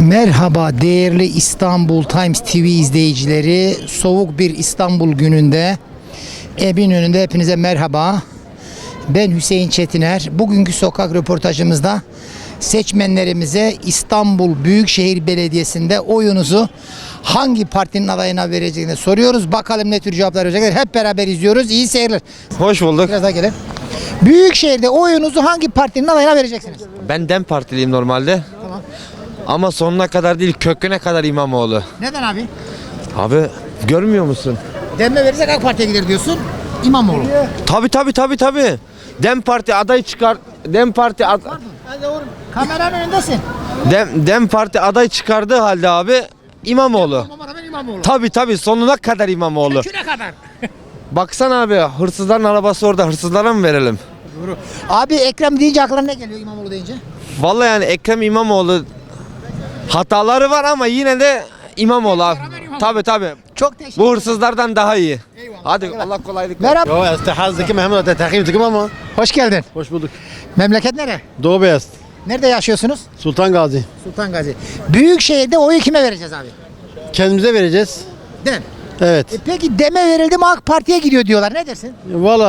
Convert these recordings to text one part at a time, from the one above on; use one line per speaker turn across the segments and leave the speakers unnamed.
Merhaba değerli İstanbul Times TV izleyicileri. Soğuk bir İstanbul gününde Eminönü'nde hepinize merhaba. Ben Hüseyin Çetiner. Bugünkü sokak röportajımızda seçmenlerimize İstanbul Büyükşehir Belediyesi'nde oyunuzu hangi partinin adayına vereceğini soruyoruz. Bakalım ne tür cevaplar verecekler. Hep beraber izliyoruz. İyi seyirler.
Hoş bulduk.
Biraz daha gelin. Büyükşehir'de oyunuzu hangi partinin adayına vereceksiniz?
Ben DEM Partiliyim normalde.
Tamam.
Ama sonuna kadar değil, köküne kadar İmamoğlu.
Neden abi?
Abi görmüyor musun?
Demme verirsek AK Parti'ye gider diyorsun. İmamoğlu.
Tabii. DEM Parti aday çıkar. DEM Parti
Kameranın önündesin.
DEM Parti aday çıkardığı halde abi İmamoğlu.
İmamoğlu.
Tabii sonuna kadar İmamoğlu.
Köküne kadar.
Baksana abi, hırsızların arabası orada, hırsızlara mı verelim?
Doğru. Abi Ekrem deyince aklına ne geliyor İmamoğlu deyince?
Vallahi yani Ekrem İmamoğlu hataları var ama yine de İmamoğlu abi. Tabii.
Çok teşekkür
Bu hırsızlardan daha iyi.
Eyvallah.
Hadi
Eyvallah.
Allah kolaylık versin.
Merhaba.
Yo istihazdaki Mehmet Atatürk'üm ama.
Hoş geldin.
Hoş bulduk.
Memleket nere?
Doğu Beyaz.
Nerede yaşıyorsunuz?
Sultan Gazi.
Sultan Gazi. Büyükşehir'de oyu kime vereceğiz abi?
Kendimize vereceğiz.
Dem.
Evet.
Peki deme verildi mi AK Parti'ye gidiyor diyorlar. Ne dersin?
Valla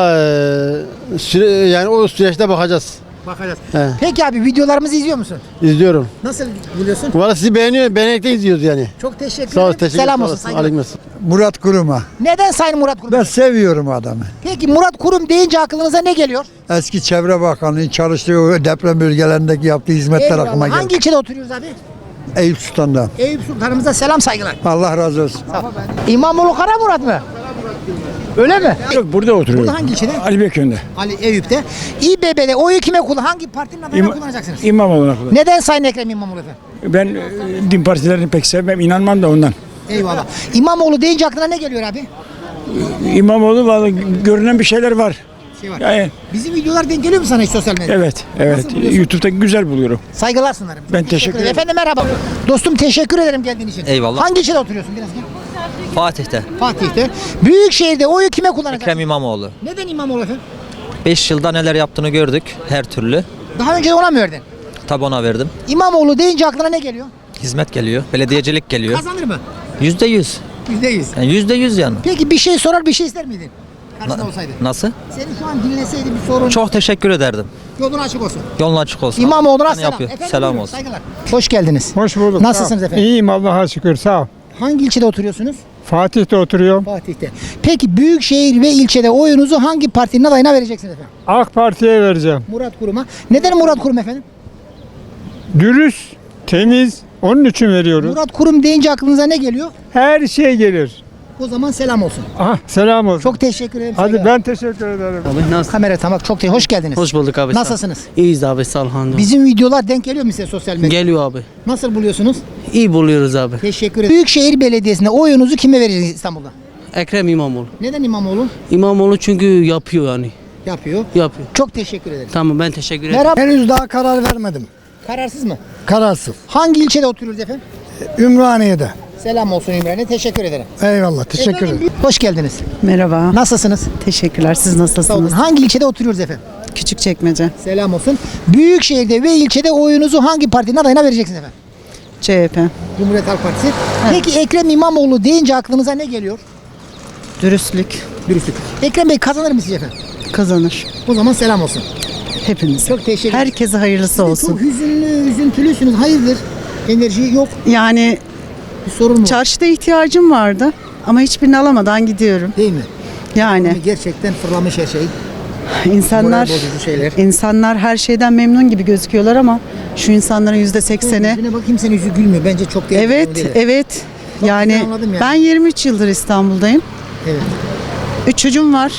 yani o süreçte bakacağız.
Bakacağız.
He.
Peki abi videolarımızı izliyor musun?
İzliyorum.
Nasıl buluyorsun?
Valla sizi beğenekten izliyoruz yani.
Çok teşekkür
Sağ ol,
ederim.
teşekkür
Selam
sağ
olsun.
olasın.
Saygılar.
Aleykümselam.
Murat Kurum'a.
Neden Sayın Murat Kurum?
Ben seviyorum adamı.
Peki Murat Kurum deyince aklınıza ne geliyor?
Eski Çevre Bakanı'nın çalıştığı o deprem bölgelerindeki yaptığı hizmetler
Eyvallah.
aklıma geldi.
Hangi ilçede oturuyoruz abi?
Eyüp Sultan'da.
Eyüp Sultanımıza selam saygılar.
Allah razı olsun.
İmamoğlu Kara Murat mı? Öyle mi?
Yok, burada oturuyorum.
Burada hangi ilçede?
Ali Bekir'de.
Ali Eyüp'te. İBB'de oyu kime kullan? Hangi partinin adayına kullanacaksınız?
İmamoğlu'na kullan.
Neden Sayın Ekrem İmamoğlu efendim?
Ben din partilerini pek sevmem, inanmam da ondan.
Eyvallah. İmamoğlu deyince aklına ne geliyor abi?
İmamoğlu vallahi görünen bir şeyler var.
Şey var.
Yani,
Bizim videolar denk geliyor mu sana hiç sosyal medyada?
evet.
Nasıl buluyorsun?
YouTube'da güzel buluyorum.
Saygılar sunarım.
Ben teşekkür ederim.
Efendim merhaba. Dostum teşekkür ederim geldiğin için.
Eyvallah.
Hangi ilçede oturuyorsun biraz gel.
Fatih'te
Fatih'te. Büyükşehir'de oyu kime kullanacaksın?
Ekrem İmamoğlu.
Neden İmamoğlu efendim?
5 yılda neler yaptığını gördük her türlü.
Daha önce ona mı verdin?
Tabi ona verdim.
İmamoğlu deyince aklına ne geliyor?
Hizmet geliyor, belediyecilik geliyor.
Kazanır mı?
%100.
%100.
Yani %100 yani.
Peki bir şey sorar bir şey ister miydin? Karşında olsaydı.
Nasıl?
Seni şu an dinleseydi bir sorun.
Çok teşekkür ederdim.
Yolun açık olsun.
Yolun açık olsun.
İmamoğlu'na
Yani
selam.
yapıyor.
Efendim,
Selam
buyurun,
olsun.
Saygılar. Hoş geldiniz.
Hoş bulduk.
Nasılsınız
Sağ ol.
efendim?
İyiyim Allah'a şükür, sağ ol.
Hangi ilçede oturuyorsunuz?
Fatih'te oturuyorum.
Fatih'te. Peki büyükşehir ve ilçede oyunuzu hangi partinin adayına vereceksiniz efendim?
AK Parti'ye vereceğim.
Murat Kurum'a. Neden Murat Kurum efendim?
Dürüst, temiz, onun için veriyoruz.
Murat Kurum deyince aklınıza ne geliyor?
Her şey gelir.
O zaman selam olsun.
Aha, selam olsun.
Çok teşekkür ederim.
Hadi
saygılar.
ben teşekkür ederim.
Kamera tamam çok teşekkür. Hoş geldiniz.
Hoş bulduk abi.
Nasılsınız?
İyiyiz abi, sağ ol hamdolsun.
Bizim videolar denk geliyor mu size sosyal medyada?
Geliyor abi.
Nasıl buluyorsunuz?
İyi buluyoruz abi.
Teşekkür ederim. Büyükşehir Belediyesi'nde oyunuzu kime vereceksiniz İstanbul'da?
Ekrem İmamoğlu.
Neden İmamoğlu?
İmamoğlu çünkü yapıyor yani.
Yapıyor.
Yapıyor.
Çok teşekkür ederim.
Tamam, ben teşekkür ederim.
Merhaba.
Henüz daha karar vermedim.
Kararsız mı?
Kararsız.
Hangi ilçede oturuyoruz efendim?
Ümraniye'de.
Selam olsun İmran'e. Teşekkür ederim.
Eyvallah. Teşekkür
Efendim,
ederim.
Hoş geldiniz.
Merhaba.
Nasılsınız?
Teşekkürler. Siz
Sağ olun.
nasılsınız?
Hangi ilçede oturuyoruz efendim?
Küçükçekmece.
Selam olsun. Büyükşehir'de ve ilçede oyunuzu hangi partinin adayına vereceksiniz efendim?
CHP.
Cumhuriyet Halk Partisi. Peki Ekrem İmamoğlu deyince aklınıza ne geliyor?
Dürüstlük
Dürüstlük. Ekrem Bey kazanır mı sizce efendim?
kazanır.
O zaman selam olsun.
Hepimiz.
Çok teşekkür ederim.
Herkese hayırlısı olsun.
Çok hüzünlü, üzüntülüsünüz. Hayırdır? Enerji yok.
Yani
Bir sorun mu var?
çarşıda ihtiyacım vardı ama hiçbirini alamadan gidiyorum.
Değil mi?
Yani
Gerçekten fırlamış her şey.
insanlar
Moral bozucu şeyler.
insanlar her şeyden memnun gibi gözüküyorlar ama şu insanların %80'i
Yüzüne bak kimsenin yüzü gülmüyor. Bence çok değerli.
evet, evet. Yani
anladım yani.
ben 23 yıldır İstanbul'dayım.
Evet.
3 çocuğum var.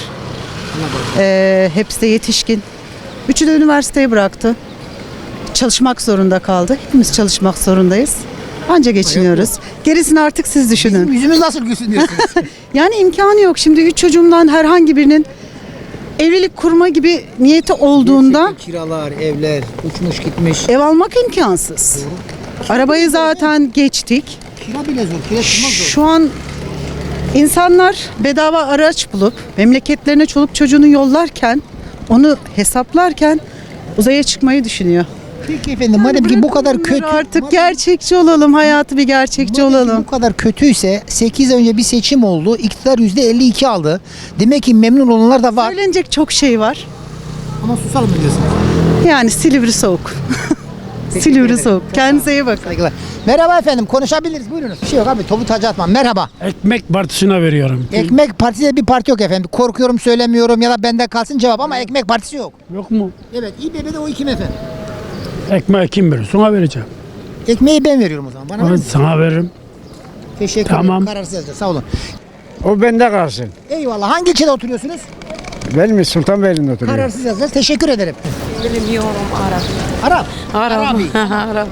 Hepsi de yetişkin. Üçü de üniversiteyi bıraktı. Çalışmak zorunda kaldı. Hepimiz çalışmak zorundayız. Anca geçiniyoruz. Gerisini artık siz düşünün.
Bizim yüzümüz nasıl gülsün diyorsunuz.
Yani imkanı yok. Şimdi 3 çocuğumdan herhangi birinin evlilik kurma gibi niyeti olduğunda
Gerçekten kiralar, evler uçmuş gitmiş.
ev almak imkansız. Arabayı zaten geçtik.
Kira bile zor. Kira tutmak zor.
Şu an insanlar bedava araç bulup memleketlerine çoluk çocuğunu yollarken, onu hesaplarken uzaya çıkmayı düşünüyor.
Peki efendim madem ki bu kadar kötü.
Artık gerçekçi olalım. Hayatı bir gerçekçi
madem ki
olalım.
bu kadar kötüyse 8 ay önce bir seçim oldu. İktidar %52 aldı. Demek ki memnun olanlar da var.
Söylenecek çok şey var.
Ama susalım mı diyorsunuz?
Yani Silivri soğuk. Silivri soğuk. Kendinize iyi bakın.
Saygılar. Merhaba efendim konuşabiliriz buyurunuz. Bir şey yok abi topu tacı atmam. Merhaba.
Ekmek partisine veriyorum.
Ekmek Partisi de bir parti yok efendim. Korkuyorum söylemiyorum ya da bende kalsın cevap ama Ekmek Partisi yok.
Yok mu?
Evet İBB'de o kim efendim?
Ekmeği kim verir? Sana vereceğim.
Ekmeği ben veriyorum o zaman. Bana verir
Ben
misin?
sana veririm.
Teşekkür
Tamam.
ederim. Kararsız yazacağız. Sağ olun.
O bende kalsın.
Eyvallah. Hangi ilçede oturuyorsunuz?
Ben mi Sultanbeyli'nde oturuyorum?
Kararsız yazacağız. Teşekkür ederim.
Bilmiyorum Arap.
Arap.
Arap.
Arabi.
Arap.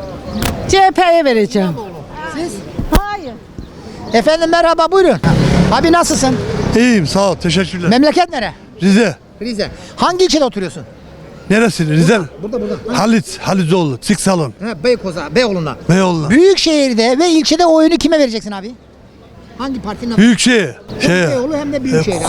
CHP'ye vereceğim.
Siz? Hayır. Efendim merhaba buyurun. Abi nasılsın?
İyiyim sağ ol teşekkürler.
Memleket nere?
Rize.
Rize. Hangi ilçede oturuyorsun?
Neresi? Rize.
Burada.
Halizoğlu. Sik salon.
He, Beykoz'a, Beyoğlu'nda.
Beyoğlu'na.
Büyükşehir'de ve ilçede oyunu kime vereceksin abi? Hangi partinin adı?
Büyükşehir.
Hem Beyoğlu hem de Büyükşehir.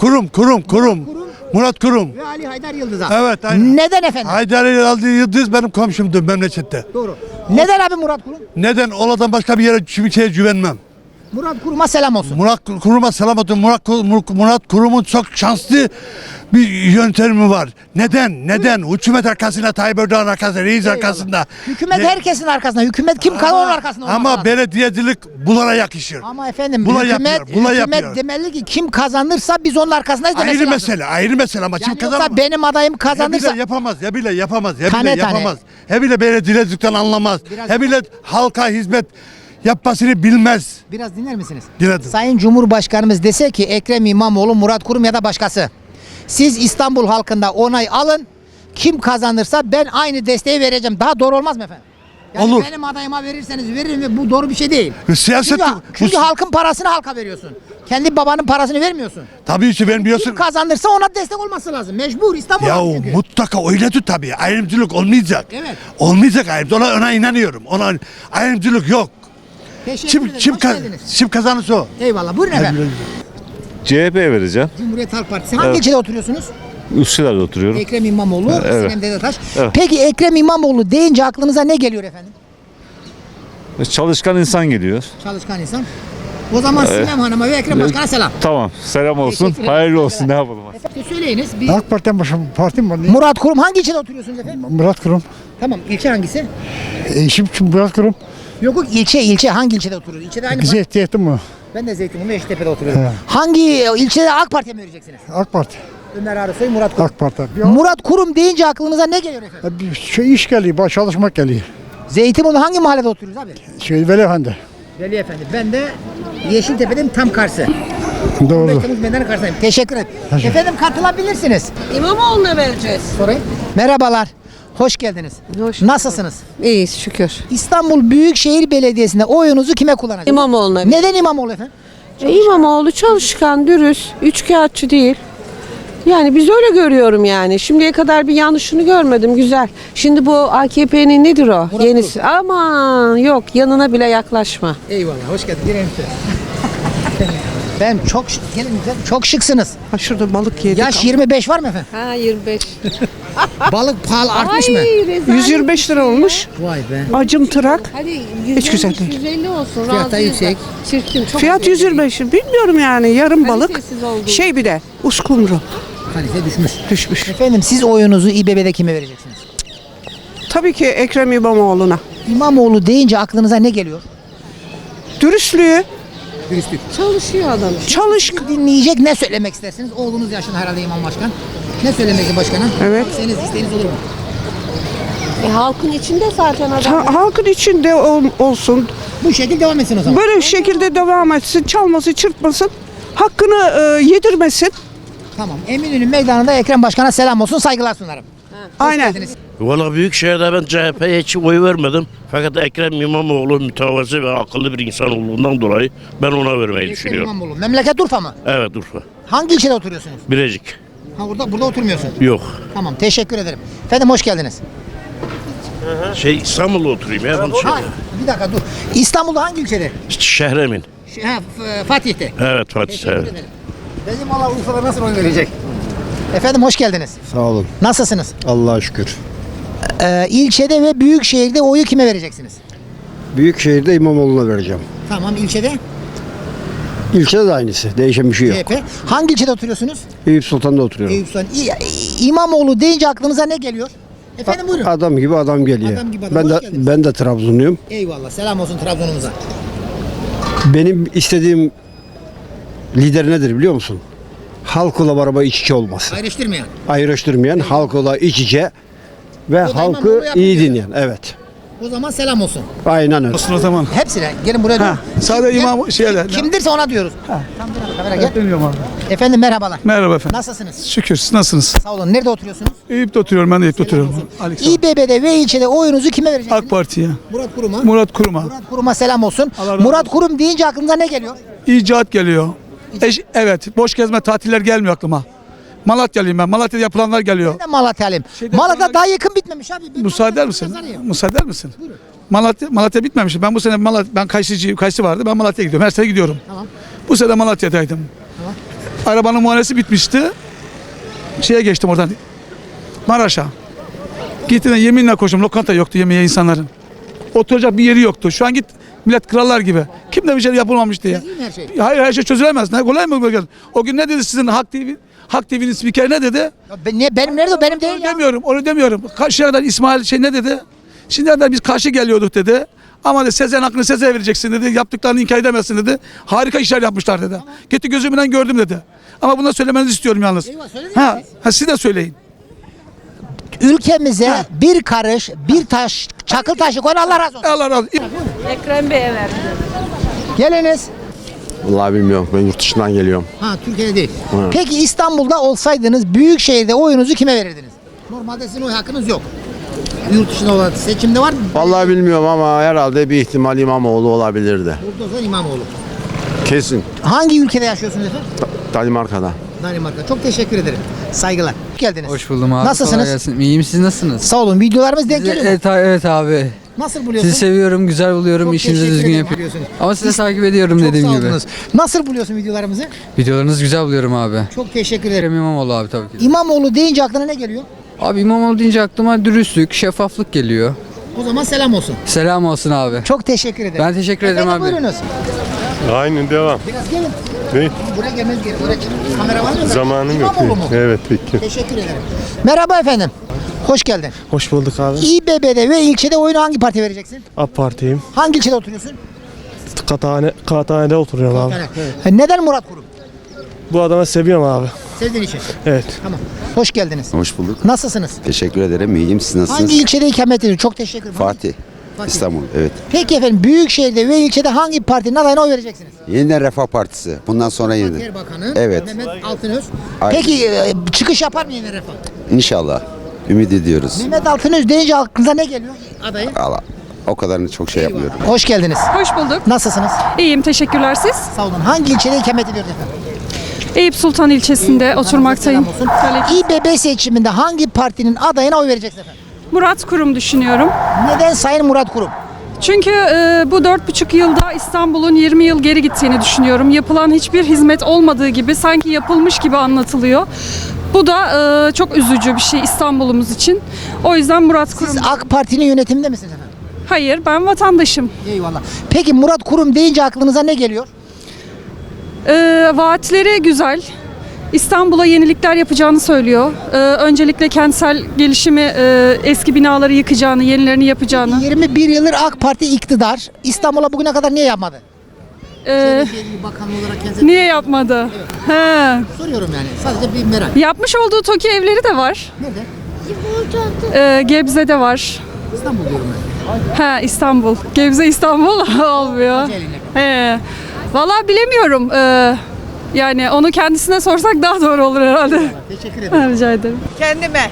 Kurum. Murat Kurum.
Ve Ali Haydar Yıldız'a.
Evet aynen.
Neden efendim?
Haydar aldığı Yıldız benim komşumdu memlekette.
Doğru. Neden abi Murat Kurum?
Neden? Oradan başka bir yere kimseye güvenmem.
Murat Kurum'a selam olsun.
Murat Kurum'a selam olsun. Murat Kurum'un çok şanslı bir yöntemi var. Neden? Hükümet arkasında, Tayyip Erdoğan arkasında, reis arkasında.
Hükümet
Ne-
herkesin arkasında. Hükümet kim kalır onun arkasında olması
Ama
lazım.
belediyecilik bunlara yakışır.
Ama efendim
Buna
hükümet,
yapıyor, buna
hükümet
yapıyor.
demeli ki kim kazanırsa biz onun arkasındayız demesi
Ayrı
lazım.
mesele ama kim
Yani yoksa
kazanamaz?
benim adayım kazanırsa
Ya bile yapamaz.
Tane tane.
He bile belediyecilikten anlamaz.
Biraz-
He bile halka hizmet yapmasını bilmez.
biraz dinler misiniz?
Dinledim.
Sayın Cumhurbaşkanımız dese ki Ekrem İmamoğlu, Murat Kurum ya da başkası. Siz İstanbul halkında onay alın. Kim kazanırsa ben aynı desteği vereceğim. Daha doğru olmaz mı efendim? Yani
Olur.
benim adayıma verirseniz veririm ve bu doğru bir şey değil.
Siyaset
Çünkü halkın parasını halka veriyorsun. Kendi babanın parasını vermiyorsun.
tabii ki ben
Kim
biliyorsun.
kazanırsa ona destek olması lazım. Mecbur İstanbul
Ya
halkı çünkü.
mutlaka öyledir tabii. Ayrımcılık olmayacak.
Evet.
Olmayacak ayrımcılık. Ona inanıyorum. Ayrımcılık yok.
Teşekkür ederim. Hoş geldiniz.
Kim kazanırsa o.
Eyvallah. Buyurun efendim.
CHP'ye vereceğim.
Cumhuriyet Halk Partisi. Hangi ilçede oturuyorsunuz?
Üsküdar'da oturuyorum.
Ekrem İmamoğlu,
Evet.
Sinem Dedetaş.
Evet.
Peki Ekrem İmamoğlu deyince aklınıza ne geliyor efendim?
Çalışkan insan geliyor.
Çalışkan insan. O zaman Sinem Hanım'a ve Ekrem Başkan'a selam.
Tamam. Selam olsun.
Teşekkür ederim.
Hayırlı olsun. Ne yapalım?
Efendim söyleyiniz.
AK Parti'den başka parti mi var?
Murat Kurum hangi ilçede oturuyorsunuz efendim?
Murat Kurum.
Tamam ilçe hangisi?
Eşim Murat Kurum.
Yok ilçe hangi ilçede oturuyorsunuz? İlçede aynı
Bize ihtiyacım mı?
Ben de Zeytinburnu Eştepe'de oturuyorum. Hangi ilçede AK Parti'ye mi vereceksiniz?
AK Parti.
Ömer Arısoy, Murat Kurum.
AK Parti.
Murat Kurum deyince aklınıza ne geliyor efendim?
Bir şey iş geliyor, çalışmak geliyor.
Zeytinburnu hangi mahallede oturuyoruz abi?
Veliefendi.
Veli Efendi. Ben de Yeşiltepe'nin tam karşı.
Doğru.
Temmuz Meydanı karşısındayım. Teşekkür ederim. Efendim katılabilirsiniz.
İmamoğlu'na vereceğiz.
Sorayım. Merhabalar. Hoş geldiniz. Nasılsınız?
İyiyiz şükür.
İstanbul Büyükşehir Belediyesi'nde oyunuzu kime kullanacaksınız?
İmamoğlu'na vereceğiz.
Neden İmamoğlu efendim?
İmamoğlu çalışkan, dürüst, üçkağıtçı değil. Yani biz öyle görüyorum yani. Şimdiye kadar bir yanlışını görmedim. Güzel. Şimdi bu AKP'nin nedir o?
Murat
Yenisi. Aman yok yanına bile yaklaşma.
Eyvallah. Hoş geldin. Girelim Ben çok gelin güzel. Çok şıksınız.
Ha şurada balık yedik.
Yaş 25 var mı efendim?
Ha 25.
Balık pahalı artmış mı?
125 lira olmuş.
Vay be.
Acım tırak.
Hadi
Hiç güzel değil.
150 olsun.
Fiyat da yüksek.
Çirkin. Çok
Fiyat
güzel.
125. Bilmiyorum yani yarım balık.
Kalitesiz oldu.
Şey bir de uskumru
Kalite düşmüş.
düşmüş.
Efendim siz oyunuzu İBB'de kime vereceksiniz?
Tabii ki Ekrem İmamoğlu'na.
İmamoğlu deyince aklınıza ne geliyor?
Dürüstlüğü,
Dürüstlük.
Çalışıyor adam.
çalışkan.
Dinleyecek ne söylemek istersiniz? Oğlunuz yaşında herhalde İmam Başkan. Ne söylemek başkana?
Evet.
Senin isteğiniz olur mu?
Halkın içinde zaten adam.
Halkın içinde olsun.
Bu şekilde devam etsin o zaman.
Böyle şekilde devam etsin. Çalması, çırpmasın. Hakkını yedirmesin.
Tamam. Eminönü meydanında Ekrem Başkan'a selam olsun, saygılar sunarım.
Aynen.
Geldiniz.
Valla Büyükşehir'de ben CHP'ye hiç oy vermedim. Fakat Ekrem İmamoğlu mütevazi ve akıllı bir insan olduğundan dolayı ben ona vermeyi
Ekrem
düşünüyorum.
İmamoğlu. Memleket Urfa mı?
Evet Urfa.
Hangi ilçede oturuyorsunuz?
Birecik.
Ha burada oturmuyorsun.
Yok.
Tamam, teşekkür ederim. Efendim hoş geldiniz.
İstanbul'da oturayım ya. Ben
Ha, bir dakika dur. İstanbul'da hangi ilçede?
Şehremin.
Fatih'te.
Evet Fatih.
Teşekkür
Evet.
ederim. Bizim valla Urfa'da nasıl oy verecek? Efendim hoş geldiniz.
Sağ olun.
Nasılsınız?
Allah'a şükür.
İlçede ve büyük şehirde oyu kime vereceksiniz?
Büyükşehir'de İmamoğlu'na vereceğim.
Tamam, ilçede
İlçede de aynısı. Değişen bir şey yok.
CHP. Hangi ilçede oturuyorsunuz?
Eyüp Sultan'da oturuyorum.
Eyüp Sultan. İmamoğlu deyince aklınıza ne geliyor? Efendim buyurun.
Adam gibi adam geliyor.
Adam gibi adam.
Ben
Hoş
de
geldiniz.
ben de Trabzonluyum.
Eyvallah. Selam olsun Trabzon'umuza.
Benim istediğim lider nedir biliyor musun? Halkla beraber iç içe olması.
Ayrıştırmayan.
Ayrıştırmayan, halkla iç içe ve
O da
halkı
İmamoğlu yapıyor.
iyi dinleyen. Evet.
O zaman selam olsun.
Aynen öyle.
O zaman.
Hepsine. Gelin buraya. durun.
Sadece
Gel.
imam şeyler.
Kimdirse ona diyoruz. Tam bir kamera gel.
Bilmiyorum abi.
Efendim merhabalar.
Merhaba efendim.
Nasılsınız?
Şükür siz nasılsınız?
Sağ olun. Nerede oturuyorsunuz?
Eyüp'te oturuyorum, ben de Eyüp'te oturuyorum.
İBB'de ve ilçede oyunuzu kime vereceksiniz?
AK Parti'ye.
Murat Kurum'a.
Murat Kurum'a.
Murat Kurum'a selam olsun.
Allah razı
Murat Kurum deyince aklınıza ne geliyor?
İcat geliyor. Evet, boş gezme tatiller gelmiyor aklıma. Malatyalıyım ben. Malatya'da yapılanlar geliyor.
Ben de Malatyalıyım.
Şeyde
Malatya
falan-
daha yakın bitmemiş abi. Ben
Müsaade eder
Malatya'da
misin?
yazarıyım.
Müsaade eder misin? Malatya bitmemiş. Ben bu sene ben Kayısı vardı. Ben Malatya'ya gidiyorum. Her sene gidiyorum.
Tamam.
Bu sene Malatya'daydım.
Tamam.
Arabanın muayenesi bitmişti. Şeye geçtim oradan. Maraş'a. Gittim yeminle koştum. Lokanta yoktu yemeğe insanların. Oturacak bir yeri yoktu. Şu an git millet krallar gibi. Kimde bir şey yapılmamış diye.
Değil mi her şey?
Hayır, her şey çözülemez. Ne kolay mı böyle? O gün ne dedi sizin Halk TV'nin spikeri ne dedi?
Ya benim nerede o? Benim değil ya.
Onu demiyorum. Karşıya kadar İsmail ne dedi? Şimdiye kadar biz karşı geliyorduk dedi. Ama de Sezen hakkını Sezen'e vereceksin dedi. Yaptıklarını inkar edemezsin dedi. Harika işler yapmışlar dedi. Gitti gözümden gördüm dedi. Ama bunu söylemenizi istiyorum yalnız.
Eyvah, söylediniz
Ha, siz de söyleyin.
Ülkemize bir karış, bir taş, çakıl taşı koyun, Allah razı olsun.
Allah razı olsun.
Ekrem Bey'e verdim.
Geliniz.
Vallahi bilmiyorum. Ben yurt dışından geliyorum.
Ha, Türkiye'de değil. Peki İstanbul'da olsaydınız büyük şehirde oyunuzu kime verirdiniz? Normalde sizin oy hakkınız yok. Yurt dışında olan seçimde var mı?
Vallahi bilmiyorum ama herhalde bir ihtimal İmamoğlu olabilirdi.
Burada o zaman İmamoğlu.
Kesin.
Hangi ülkede yaşıyorsunuz efendim?
Danimarka'da.
Danimarka. Çok teşekkür ederim. Saygılar. Hoş geldiniz.
Hoş buldum abi.
Nasılsınız?
Kolay gelsin. İyiyim, siz nasılsınız?
Sağ olun. Videolarımız denk geliyor mu?
Evet abi.
Nasıl buluyorsun?
Sizi seviyorum, güzel buluyorum,
Çok
işinizi
teşekkür
düzgün
ederim,
yapıyorsunuz.
biliyorsunuz.
Ama sizi takip ediyorum
Çok
dediğim
sağ
gibi.
olunuz. Nasıl buluyorsun videolarımızı?
Videolarınızı güzel buluyorum abi.
Çok teşekkür ederim.
Ekrem İmamoğlu abi tabii ki.
İmamoğlu deyince aklına ne geliyor?
Abi İmamoğlu deyince aklıma dürüstlük, şeffaflık geliyor.
O zaman selam olsun.
Selam olsun abi.
Çok teşekkür ederim.
Ben teşekkür ederim
Efendim,
abi.
buyurunuz.
Aynen devam.
Biraz gelin.
Ne?
Buraya gelmeniz gerekiyor. Buraya kamera var mı?
Zamanım yok.
İmamoğlu mu?
Evet peki.
Teşekkür ederim. Merhaba efendim. Hoş geldin.
Hoş bulduk abi.
İBB'de ve ilçede oyunu hangi partiye vereceksin?
AK Parti'yim.
Hangi ilçede oturuyorsun?
Kağıthane'de oturuyorum abi.
Neden Murat Kurum?
Bu adamı seviyorum abi.
Sevdiğin için.
Evet.
Tamam. Hoş geldiniz.
Hoş bulduk.
Nasılsınız?
Teşekkür ederim. İyiyim. Siz nasılsınız?
Hangi ilçede ikamet ediyorsunuz? Çok teşekkür ederim.
Fatih. İstanbul. Evet.
Peki efendim Büyükşehir'de ve ilçede hangi partinin adayına oy vereceksiniz?
Yeniden Refah Partisi. Bundan sonra yeniden.
Erbakan'ı,
Evet.
Mehmet Altınöz.
Aynen.
Peki çıkış yapar mı yine Refah?
İnşallah. Ümit ediyoruz.
Mehmet Altınöz deyince aklınıza ne geliyor adayı?
Allah. O kadarını çok şey yapmıyorum.
Hoş geldiniz.
Hoş bulduk.
Nasılsınız?
İyiyim, teşekkürler siz.
Sağ olun. Hangi ilçede ikamet ediyorsunuz efendim?
Eyüp Sultan ilçesinde oturmaktayım.
Selam olsun. İBB seçiminde hangi partinin adayına oy vereceksiniz efendim?
Murat Kurum düşünüyorum.
Neden Sayın Murat Kurum?
Çünkü bu 4,5 yılda İstanbul'un 20 yıl geri gittiğini düşünüyorum. Yapılan hiçbir hizmet olmadığı gibi sanki yapılmış gibi anlatılıyor. Bu da çok üzücü bir şey İstanbul'umuz için. O yüzden Murat Kurum.
Siz AK Parti'nin yönetiminde misiniz efendim?
Hayır, ben vatandaşım.
Eyvallah. Peki Murat Kurum deyince aklınıza ne geliyor?
Vaatleri güzel. İstanbul'a yenilikler yapacağını söylüyor. Öncelikle kentsel gelişimi, eski binaları yıkacağını, yenilerini yapacağını.
21 yıldır AK Parti iktidar. İstanbul'a bugüne kadar niye yapmadı? Bakan olarak kendisi...
Niye yapmadı? He.
Soruyorum yani. Sadece bir merak.
Yapmış olduğu TOKİ evleri de var.
Nerede?
Gebze'de var.
İstanbul diyorum ben.
Ha, İstanbul. Gebze İstanbul olmuyor. He. Vallahi bilemiyorum. Yani onu kendisine sorsak daha doğru olur herhalde.
Teşekkür ederim.
Rica ederim.
Kendime.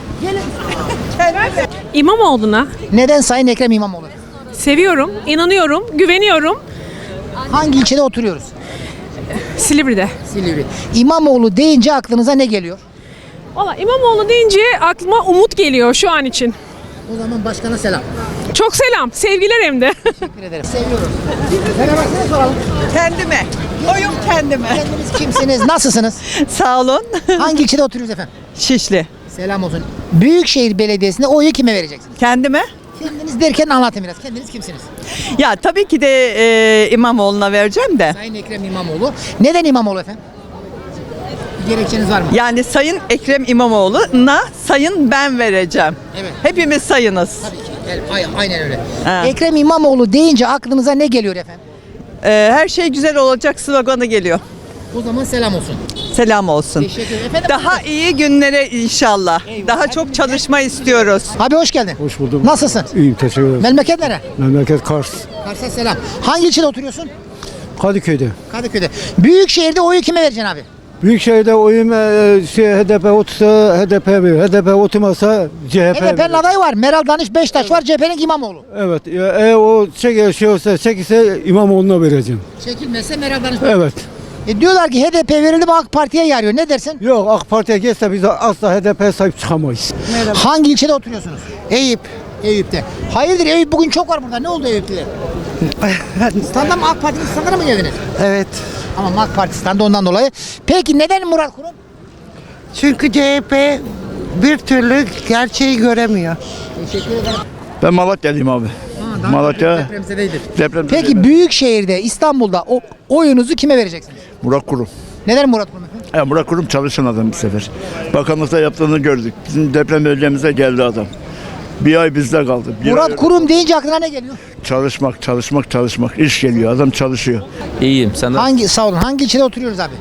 İmamoğlu'na
Neden Sayın Ekrem İmamoğlu?
seviyorum, inanıyorum, güveniyorum.
Hangi ilçede oturuyoruz?
Silivri'de.
Silivri. İmamoğlu deyince aklınıza ne geliyor?
Valla İmamoğlu deyince aklıma umut geliyor şu an için.
O zaman başkana selam.
Çok selam, sevgiler hem de.
Teşekkür ederim. Seviyoruz. Merhaba, size soralım.
Kendime. Oyum kendime.
Kendiniz kimsiniz? Nasılsınız?
Sağ olun.
Hangi ilçede oturuyoruz efendim?
Şişli.
Selam olsun. Büyükşehir Belediyesi'nde oyu kime vereceksiniz?
Kendime?
Kendiniz derken anlatın biraz. Kendiniz kimsiniz?
Ya tabii ki de İmamoğlu'na vereceğim de.
Sayın Ekrem İmamoğlu. Neden İmamoğlu efendim? Bir gerekçeniz var mı?
Yani Sayın Ekrem İmamoğlu'na sayın ben vereceğim.
Evet.
Hepimiz sayınız.
Tabii ki. Aynen öyle.
Ha.
Ekrem İmamoğlu deyince aklınıza ne geliyor efendim?
Her şey güzel olacak sloganı geliyor.
O zaman selam olsun.
Selam olsun.
Teşekkür ederim. Efendim,
Daha iyi günlere inşallah. Daha çok çalışma istiyoruz.
abi hoş geldin.
Hoş buldum.
Nasılsın?
İyiyim, teşekkür ederim.
Memleket nere?
Memleket Kars.
Kars'a selam. Hangi ilçede oturuyorsun?
Kadıköy'de.
Kadıköy'de. Büyükşehir'de oyu kime vereceksin abi?
Büyükşehir'de oyum HDP otursa HDP verir. HDP oturmasa CHP
HDP'nin adayı var. Meral Danış Beştaş var. CHP'nin İmamoğlu.
Evet. O çekilse İmamoğlu'na vereceğim.
Çekilmezse Meral Danış
Evet.
diyorlar ki HDP verildi mi AK Parti'ye yarıyor. Ne dersin?
Yok, AK Parti'ye geçse biz asla HDP'ye sahip çıkamayız.
Hangi ilçede oturuyorsunuz?
Eyüp.
Eyüp'te. Hayırdır Eyüp bugün çok var burada. Ne oldu Eyüp'te? Standa mı AK Parti'nin standına mı geldiniz?
Evet.
Ama AK Parti standı ondan dolayı. Peki neden Murat Kurum?
Çünkü CHP bir türlü gerçeği göremiyor.
Teşekkür ederim.
Ben Malatya'lıyım abi. Malatya
Depremzedeydir.
deprem.
Peki Büyükşehir'de İstanbul'da oyunuzu kime vereceksiniz?
Murat Kurum.
Neden Murat Kurum efendim?
Murat Kurum çalışan adam bu sefer. Bakanlıkta yaptığını gördük. Bizim deprem bölgemize geldi adam. Bir ay bizde kaldı.
Murat Kurum deyince aklına ne geliyor?
Çalışmak. İş geliyor. Adam çalışıyor.
İyiyim. Sen
Sağ olun. Hangi ilçede oturuyoruz abi?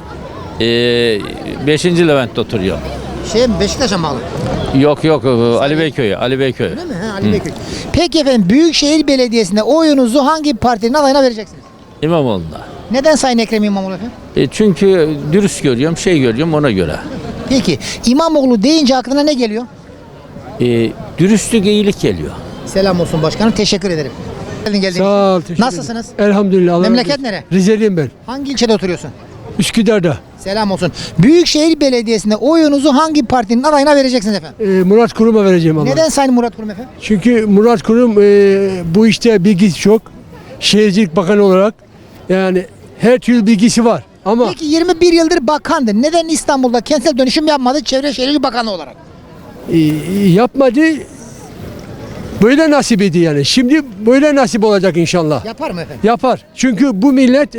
5. Levent'te oturuyorum.
Beşiktaş'a mı bağlı?
Yok Ali Beyköy.
Değil mi? Ali Beyköy. Peki efendim Büyükşehir Belediyesi'nde oyunuzu hangi partinin adayına vereceksiniz?
İmamoğlu'na.
Neden Sayın Ekrem İmamoğlu efendim?
Çünkü dürüst görüyorum ona göre.
Peki İmamoğlu deyince aklına ne geliyor?
Dürüstlük, iyilik geliyor.
Selam olsun başkanım. Teşekkür ederim. Geldiniz.
Sağ ol, teşekkür
Nasılsınız?
Elhamdülillah.
Memleket nere?
Rizeliyim ben.
Hangi ilçede oturuyorsun?
Üsküdar'da.
Selam olsun. Büyükşehir Belediyesi'nde oyunuzu hangi partinin adayına vereceksiniz efendim?
Murat Kurum'a vereceğim ama.
Neden Sayın Murat Kurum efendim?
Çünkü Murat Kurum bu işte bilgisi çok. Şehircilik Bakanı olarak yani her türlü bilgisi var. Ama
Peki 21 yıldır bakandı. Neden İstanbul'da kentsel dönüşüm yapmadı Çevre Şehircilik Bakanı olarak?
yapmadı. Böyle nasip idi yani. Şimdi böyle nasip olacak inşallah.
Yapar mı efendim?
Yapar. Çünkü bu millet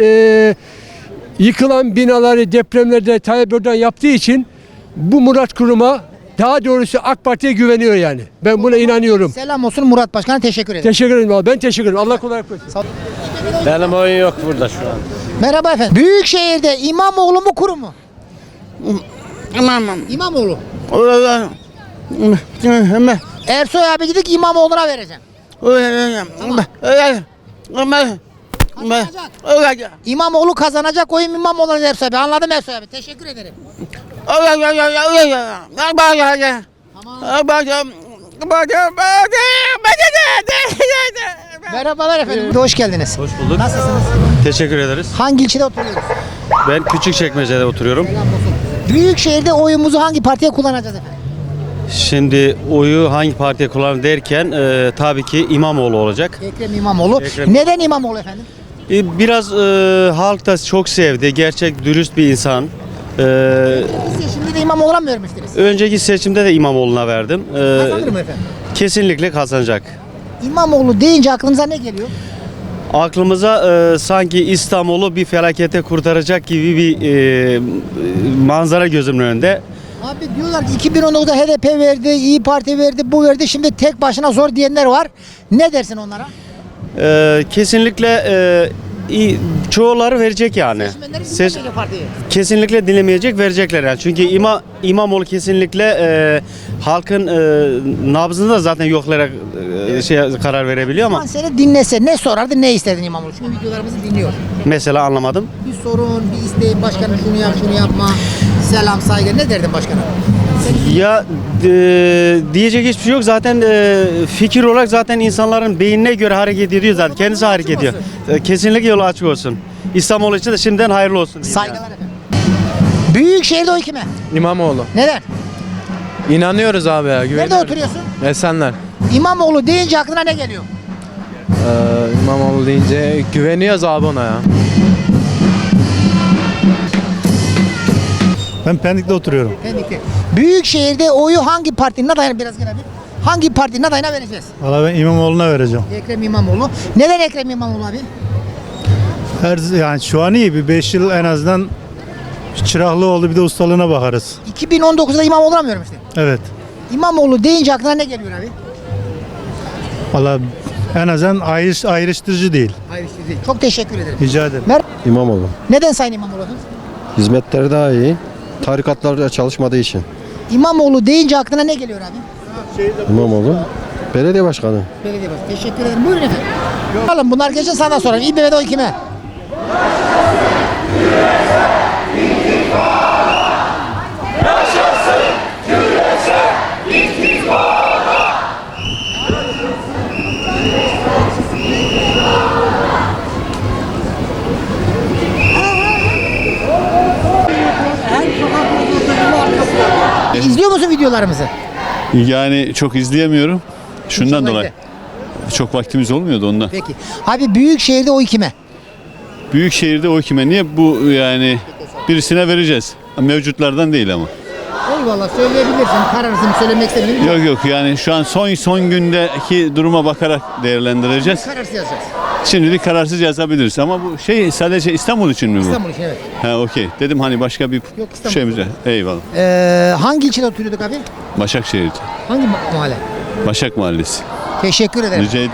yıkılan binaları depremlerde Tayyip Erdoğan yaptığı için bu Murat Kurum'a, daha doğrusu AK Parti'ye güveniyor yani. Ben buna inanıyorum.
Selam olsun Murat Başkan'a, teşekkür ederim.
Teşekkür ederim abi. Ben teşekkür ederim. Allah kolaylık versin.
Benim oyun yok burada şu an.
Merhaba efendim. Büyükşehir'de İmamoğlu mu Kurum mu? İmamoğlu. Ersoy abi dedik İmamoğlu'na vereceğim. Kazanacak. İmamoğlu kazanacak, oyun İmamoğlu'na Ersoy abi. Anladım Ersoy abi. Teşekkür ederim. Merhabalar efendim. Hoş geldiniz.
Hoş bulduk.
Nasılsınız?
Teşekkür ederiz.
Hangi ilçede oturuyoruz?
Ben Küçükçekmece'de oturuyorum.
Büyükşehir'de oyumuzu hangi partiye kullanacağız efendim?
Şimdi oyu hangi partiye kullanır derken tabii ki İmamoğlu olacak.
Ekrem İmamoğlu.
Ekrem.
Neden İmamoğlu efendim?
Biraz halk da çok sevdi. Gerçek, dürüst bir insan.
Seçimde de İmamoğlu'na mı vermiştiniz?
Önceki seçimde de İmamoğlu'na verdim.
Kazanır mı efendim?
Kesinlikle kazanacak.
İmamoğlu deyince aklınıza ne geliyor?
Aklımıza sanki İstanbul'u bir felakete kurtaracak gibi bir manzara gözümün önünde.
Abi diyorlar ki 2019'da HDP verdi, İyi Parti verdi, bu verdi. Şimdi tek başına zor diyenler var. Ne dersin onlara?
Kesinlikle çoğuları verecek yani. Kesinlikle dinlemeyecek, verecekler yani. Çünkü İmamoğlu kesinlikle halkın nabzını da zaten yoklayarak karar verebiliyor ama
Seni dinlese ne sorardı, ne istedin İmamoğlu? Çünkü videolarımızı dinliyor.
mesela anlamadım.
Bir sorun, bir isteğin, başkanım şunu yap, şunu yapma. Selam, saygı. Ne derdin başkana?
Ya diyecek hiçbir şey yok. Zaten fikir olarak zaten insanların beynine göre hareket ediyor zaten. Kendisi hareket ediyor. Kesinlikle yolu açık olsun. İstanbul için de şimdiden hayırlı olsun.
Saygılar efendim. Büyükşehir'de oy kime?
İmamoğlu.
Neden?
İnanıyoruz abi ya.
Nerede oturuyorsun?
Esenler.
İmamoğlu deyince aklına ne geliyor?
İmamoğlu deyince güveniyoruz abi ona ya.
Ben Pendik'te oturuyorum.
Pendik'te. Büyükşehir'de oyu hangi partinin adayına biraz gel abi? Hangi partinin adayına vereceğiz?
Valla ben İmamoğlu'na vereceğim.
Ekrem İmamoğlu. Neden Ekrem İmamoğlu abi?
Yani şu an iyi bir 5 yıl en azından çıraklı oldu, bir de ustalığına bakarız.
2019'da İmamoğlu aramıyorum işte.
Evet.
İmamoğlu deyince aklına ne geliyor abi?
Valla en azından ayrıştırıcı değil.
Hayır işte değil. Çok teşekkür ederim.
Rica ederim.
İmamoğlu.
Neden Sayın İmamoğlu efendim?
Hizmetleri daha iyi. Tarikatlarda çalışmadığı için.
İmamoğlu deyince aklına ne geliyor abi?
İmamoğlu. Belediye başkanı.
Belediye başkanı. Teşekkür ederim. Buyurun efendim. Bakalım bunlar geçen sana soralım. İBB'de oy kime? İzliyor musun videolarımızı?
Yani çok izleyemiyorum. Şundan dolayı. Çok vaktimiz olmuyordu ondan.
Peki. Abi Büyükşehir'de oy kime?
Büyükşehir'de o kime? Niye bu yani birisine vereceğiz? Mevcutlardan değil ama.
Eyvallah söyleyebilirsin. Kararsın söylemek istemiyorum.
Yok yok yani şu an son gündeki duruma bakarak değerlendireceğiz.
Kararsız yazacağız.
Şimdilik kararsız yazabiliriz ama bu şey sadece İstanbul için mi bu?
İstanbul için evet.
Ha okey. Dedim hani başka bir
İstanbul.
şeyimiz var. Eyvallah.
Hangi ilçede oturuyorduk abi?
Başakşehir'de.
Hangi mahalle?
Başak Mahallesi.
Teşekkür ederim.
Rica ederim.